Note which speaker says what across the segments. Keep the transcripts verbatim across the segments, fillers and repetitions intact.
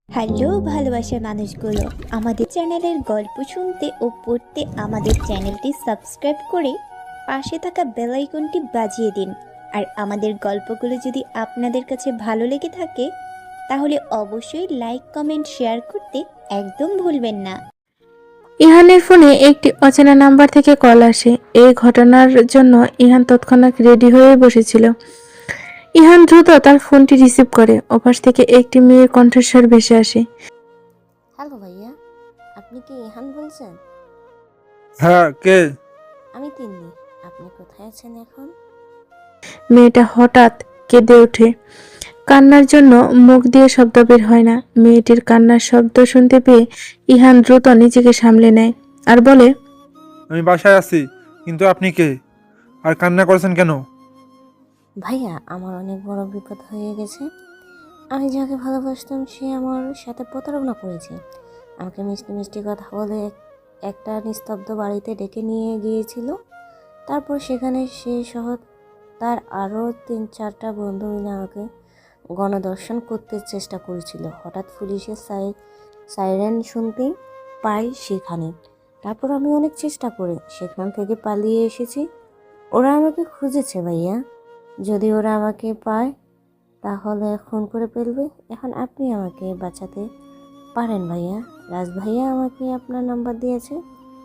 Speaker 1: Hello ভালোবাসার মানুষগুলো, আমাদের চ্যানেলের গল্প শুনতে ও পড়তে আমাদের চ্যানেলটি সাবস্ক্রাইব করে পাশে থাকা বেল আইকনটি বাজিয়ে দিন। আর আমাদের গল্পগুলো যদি আপনাদের কাছে ভালো লেগে থাকে তাহলে অবশ্যই লাইক কমেন্ট শেয়ার করতে একদম ভুলবেন না।
Speaker 2: ইহানের ফোনে একটি অচেনা নাম্বার থেকে কল আসে। এই ঘটনার জন্য ইহান তৎক্ষণাৎ রেডি হয়ে বসেছিল। ইহান দ্রুত তার ফোনটি রিসিভ করে। ওপাশ থেকে একটি মেয়ের কণ্ঠস্বর ভেসে আসে।
Speaker 3: হ্যালো ভাইয়া, আপনি কি ইহান বলছেন?
Speaker 4: হ্যাঁ, কে?
Speaker 3: আমি তিন্নি। আপনি কোথায় আছেন এখন?
Speaker 2: মেয়েটা হঠাৎ কেঁদে ওঠে। কান্নার জন্য মুখ দিয়ে শব্দ বের হয় না। মেয়েটির কান্নার শব্দ শুনতে পেয়ে ইহান দ্রুত নিজেকে সামলে নেয় আর বলে,
Speaker 4: আমি বাসায় আছি, কিন্তু আপনি কে? আর কান্না করছেন কেন?
Speaker 3: ভাইয়া, আমার অনেক বড় বিপদ হয়ে গেছে। আমি যাকে ভালোবাসতাম সে আমার সাথে প্রতারণা করেছে। আমাকে মিষ্টি মিষ্টি কথা বলে এক- একটা নিস্তব্ধ বাড়িতে ডেকে নিয়ে গিয়েছিল। তারপর সেখানে সে সহ তার আরও তিন চারটা বন্ধু মিলে আমাকে গণধর্ষণ করতে চেষ্টা করেছিল। হঠাৎ পুলিশের সাই সাইরেন শুনতেই পাই সেখানে। তারপর আমি অনেক চেষ্টা করে সেখান থেকে পালিয়ে এসেছি। ওরা আমাকে খুঁজেছে ভাইয়া। যদি ওরা আমাকে পায় তাহলে খুন করে ফেলবে। এখন আপনি আমাকে বাঁচাতে পারেন ভাইয়া। রাজ ভাইয়া আমাকে আপনার নাম্বার দিয়েছে।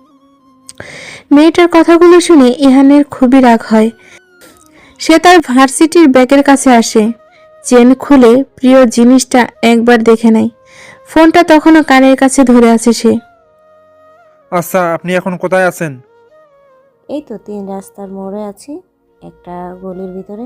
Speaker 2: মেয়েটার কথাগুলো শুনে ইহানের খুবই রাগ হয়। সে তার ভার্সিটির ব্যাগের কাছে আসে। চেন খুলে প্রিয় জিনিসটা একবার দেখে নেয়। ফোনটা তখনও কানের কাছে ধরে আছে সে।
Speaker 4: আচ্ছা, আপনি এখন কোথায় আছেন?
Speaker 3: এই তো তিন রাস্তার মোড়ে আছি, একটা গলির ভিতরে।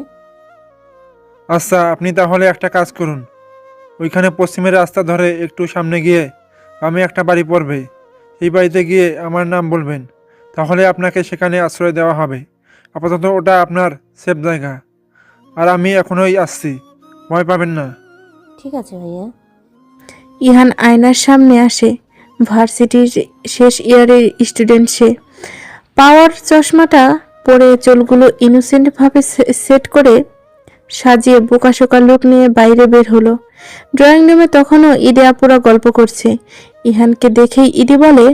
Speaker 4: আচ্ছা, আপনি তাহলে একটা কাজ করুন। ওইখানে পশ্চিমের রাস্তা ধরে একটু সামনে গিয়ে আমি একটা বাড়ি পড়বে। সেই বাড়িতে গিয়ে আমার নাম বলবেন। তাহলে আপনাকে সেখানে আশ্রয় দেওয়া হবে। আপাতত ওটা আপনার সেফ জায়গা। আর আমি এখনই আসছি, ভয় পাবেন না।
Speaker 3: ঠিক আছে ভাইয়া।
Speaker 2: ইহান আয়নার সামনে আসে। ভার্সিটির শেষ ইয়ারের স্টুডেন্ট সে। পাওয়ার চশমাটা পরে চুলগুলো ইনোসেন্টভাবে সেট করে সাজিয়ে বোকাশোকা লুক নিয়ে বাইরে বের হলো। ড্রয়িং রুমে তখনও ঈদে আপুরা গল্প করছে। ইহানকে দেখেই ঈদি বলে,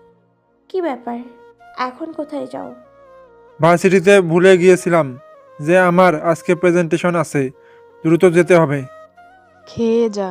Speaker 5: কি ব্যাপার, এখন কোথায় যাও?
Speaker 4: ভার্সিটিতে ভুলে গিয়েছিলাম যে আমার আজকে প্রেজেন্টেশন আছে, দ্রুত যেতে হবে।
Speaker 6: খেয়ে যা।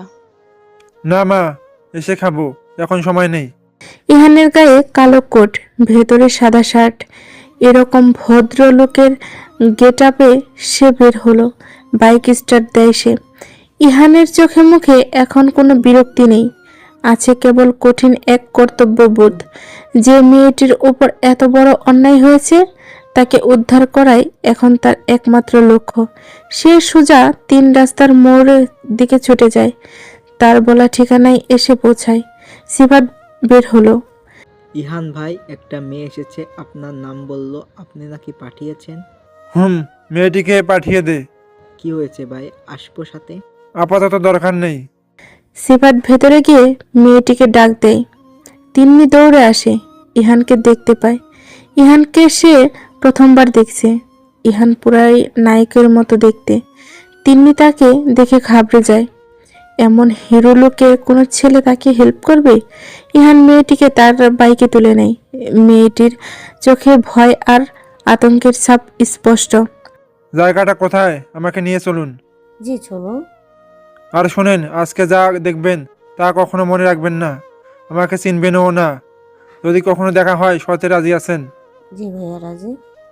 Speaker 4: না মা, এসে খাবো, এখন সময় নেই।
Speaker 2: ইহানের গায়ে কালো কোট, ভেতরে সাদা শার্ট। এরকম ভদ্রলোকের গেট আপে সে বের হলো। বাইক স্টার্ট দেয় সে। ইহানের চোখে মুখে এখন কোনো বিরক্তি নেই, আছে কেবল কঠিন এক কর্তব্যবোধ। যে মেয়েটির ওপর এত বড় অন্যায় হয়েছে তাকে উদ্ধার করাই এখন তার একমাত্র লক্ষ্য। সে সোজা তিন রাস্তার মোড়ের দিকে ছুটে যায়। তার বলা ঠিকানায় এসে পৌঁছায়। সিফাত বের হলো।
Speaker 7: ইহান ভাই, একটা মেয়ে এসেছে, আপনার নাম বলল, আপনি নাকি পাঠিয়েছেন।
Speaker 4: হুম, মেয়েটিকে পাঠিয়ে দে।
Speaker 7: কি হয়েছে ভাই, আসবো সাথে?
Speaker 4: আপাতত দরকার নেই।
Speaker 2: সিফাত ভেতরে গিয়ে মেয়েটিকে ডাক দেয়। তিন্নি দৌড়ে আসে, ইহানকে দেখতে পায়। ইহানকে সে প্রথমবার দেখছে। ইহান পুরাই নায়কের মতো দেখতে। তিন্নি তাকে দেখে ঘাবড়ে যায়। এমন হিরো লোকে কোনো ছেলে তাকে হেল্প করবে? ইহান মেয়েটিকে তার বাইকে তুলে নেয়। মেয়েটির চোখে ভয় আর আতঙ্কের ছাপ স্পষ্ট।
Speaker 4: জায়গাটা কোথায়, আমাকে নিয়ে চলুন।
Speaker 3: জি চলুন।
Speaker 4: আর শোনেন, আজকে যা দেখবেন তা কখনো মনে রাখবেন না। আমাকে চিনবেনও না। যদি কখনো দেখা হয় সতে রাজি আছেন?
Speaker 3: জি ভাইয়া, রাজি।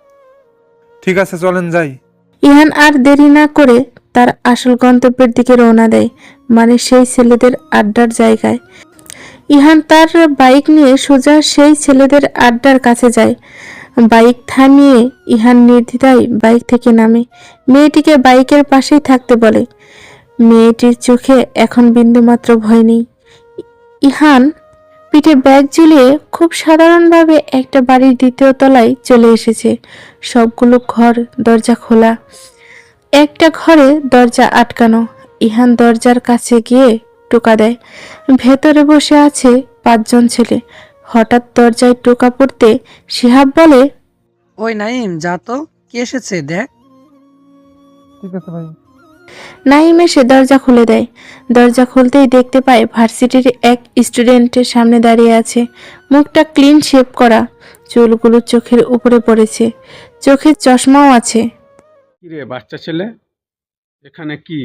Speaker 4: ঠিক আছে, চলেন যাই।
Speaker 2: ইহান আর দেরি না করে তার আসল গন্তব্যের দিকে রওনা দেয়, মানে সেই ছেলেদের আড্ডার জায়গায়। ইহান তার বাইক নিয়ে সোজা সেই ছেলেদের আড্ডার কাছে যায়। বাইক থামিয়ে ইহান নির্দ্বিধায় বাইক থেকে নামে। মেয়েটিকে বাইকের পাশেই থাকতে বলে। মেয়েটির চোখে এখন বিন্দুমাত্র ভয় নেই। ইহান পিঠে ব্যাগ ঝুলিয়ে খুব সাধারণভাবে একটা বাড়ির দ্বিতীয় তলায় চলে এসেছে। সবগুলো ঘর দরজা খোলা। একটা ঘরে দরজা আটকানো। ইহান দরজার কাছে গিয়ে টোকা দেয়। ভেতরে বসে আছে পাঁচজন ছেলে। হঠাৎ দরজায় টোকা পড়তে শিহাব বলে,
Speaker 8: ওই নাইম, যা তো, কি এসেছে দেখ।
Speaker 4: ঠিক আছে ভাই।
Speaker 2: নাইম এসে দরজা খুলে দেয়। দরজা খুলতেই দেখতে পায় ভার্সিটির এক স্টুডেন্টের সামনে দাঁড়িয়ে আছে। মুখটা ক্লিন শেভ করা, চুলগুলো চোখের উপরে পড়েছে, চোখে চশমাও আছে।
Speaker 8: কিরে বাচ্চা ছেলে, এখানে কি?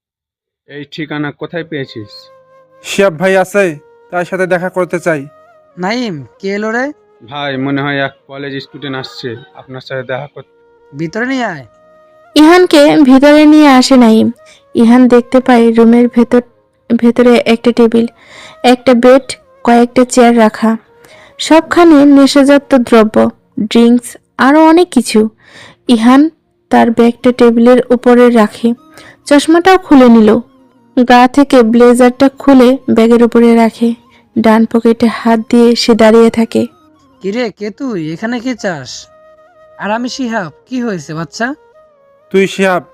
Speaker 8: এই ঠিকানা কোথায় পেয়েছিস?
Speaker 4: শিহাব ভাই আছে, তার সাথে দেখা করতে চাই।
Speaker 9: নাইম, কে এলো রে?
Speaker 8: ভাই মনে হয় এক কলেজ স্টুডেন্ট আসছে আপনার সাথে দেখা করতে।
Speaker 9: ভিতরে নিয়ে আয়।
Speaker 2: ইহানকে ভিতরে নিয়ে আসে নাইম। ইহান দেখতে পায় রুমের ভেতর ভেতরে একটা টেবিল, একটা বেড, কয়েকটা চেয়ার রাখা, সবখানে নেশাজাত দ্রব্য, ড্রিঙ্কস, আরও অনেক কিছু। ইহান তার ব্যাগটা টেবিলের উপরে রাখে, চশমাটাও খুলে নিল, গা থেকে ব্লেজারটা খুলে ব্যাগের উপরে রাখে, ডান পকেটে হাত দিয়ে সে দাঁড়িয়ে থাকে।
Speaker 9: কিরে, কে তুই? এখানে কে চাস? আর আমি শিহাব। কি হয়েছে বাচ্চা?
Speaker 4: তুই শিহাব?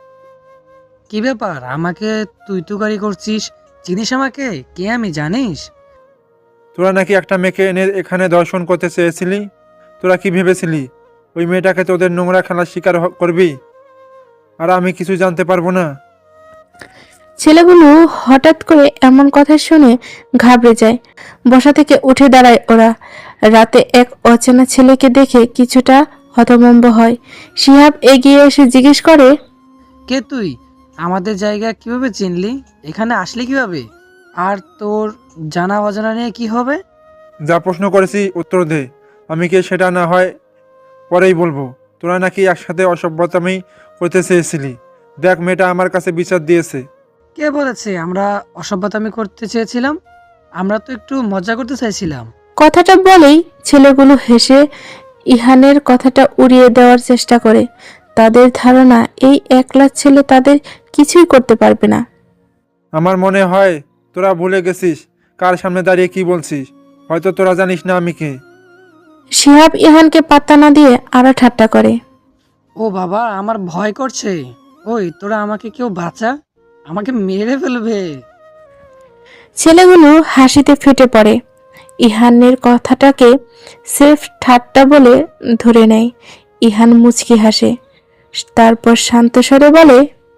Speaker 9: কি ব্যাপার, আমাকে তুই তুকারি করছিস? চিনিস আমাকে? কে আমি জানিস?
Speaker 4: তোরা নাকি একটা মেয়েকে এনে এখানে দর্শন করতে চেয়েছিলি? তোরা কি ভেবেছিলি ওই মেয়েটাকে তোদের নোংরা খেলার শিকার হ- করবি, আর আমি কিছু জানতে পারবো না?
Speaker 2: ছেলেগুলো হঠাৎ করে এমন কথা শুনে ঘাবড়ে যায়। বসা থেকে উঠে দাঁড়ায় ওরা। রাতে এক অচেনা ছেলেকে দেখে কিছুটা হতভম্ব হয়। শিহাব এগিয়ে এসে জিজ্ঞেস করে,
Speaker 9: কে তুই? আমাদের জায়গা কিভাবে চিনলি? এখানে আসলি কিভাবে? আর তোর জানা অজানা নিয়ে কি হবে?
Speaker 4: যা প্রশ্ন করেছি উত্তর দে, আমি কে সেটা না হয় পরেই বলবো। তোরা নাকি একসাথে অসভ্যতামি করতে চেয়েছিলি, দেখ মেয়েটা আমার কাছে বিচার দিয়েছে।
Speaker 9: কে বলেছে আমরা অসভ্যতামি করতে চেয়েছিলাম? আমরা তো একটু মজা করতে চাইছিলাম।
Speaker 2: কথাটা বলেই ছেলেগুলো হেসে ইহানের কথাটা উড়িয়ে দেওয়ার চেষ্টা করে। তাদের ধারণা এই একলা ছেলে তাদের কিছুই করতে পারবে না।
Speaker 4: আমার মনে হয় তোরা ভুলে গেছিস কার সামনে দাঁড়িয়ে কি বলছিস। হয়তো তোরা জানিস না আমি কে।
Speaker 2: শিহাব ইহানকে পাত্তা না দিয়ে আরো ঠাট্টা করে।
Speaker 9: ও বাবা, আমার ভয় করছে। ওই তোরা আমাকে কেউ বাঁচা, আমাকে মেরে ফেলবে।
Speaker 2: ছেলেগুলো হাসিতে ফেটে পড়ে। ইহানের কথাটাকে সেফ ঠাট্টা বলে ধরে নেয়। ইহান মুচকি হাসে, তারপর শান্ত স্বরে বলে,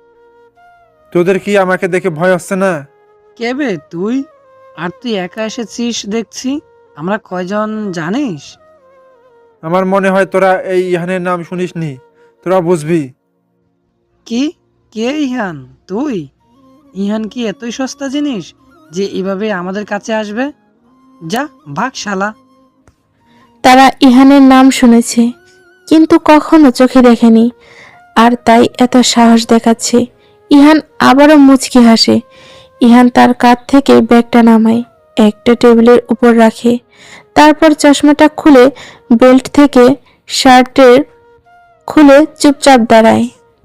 Speaker 4: তোদের কি আমাকে দেখে ভয় হচ্ছে না?
Speaker 9: কে বে তুই? আর তুই একা এসেছিস দেখছি। আমরা কয়জন জানিস?
Speaker 4: আমার মনে হয় তোরা এই ইহানের নাম শুনিসনি, তোরা বুঝবি।
Speaker 9: কি? কে ইহান? তুই? ইহান কি এতই সস্তা জিনিস যে এভাবে আমাদের কাছে আসবে? যা ভাগ শালা।
Speaker 2: তারা ইহানের নাম শুনেছে কিন্তু কখনো চোখে দেখেনি, আর তাই এত সাহস দেখাচ্ছে। ইহান আবারও মুচকি হাসে। ইহান তার কাঁধ থেকে ব্যাগটা নামায়, একটা টেবিলের উপর রাখে, তারপর চশমাটা খুলে বেল্ট থেকে শার্টের খুলে চুপচাপ দাঁড়ায়।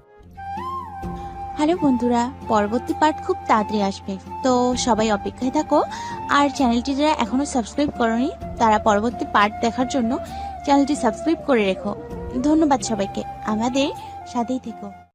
Speaker 1: হ্যালো বন্ধুরা, পরবর্তী পার্ট খুব তাড়াতাড়ি আসবে, তো সবাই অপেক্ষায় থাকো। আর চ্যানেলটি যারা এখনো সাবস্ক্রাইব করনি তারা পরবর্তী পার্ট দেখার জন্য চ্যানেলটি সাবস্ক্রাইব করে রেখো। ধন্যবাদ সবাইকে, আমাদের সাথেই থেকো।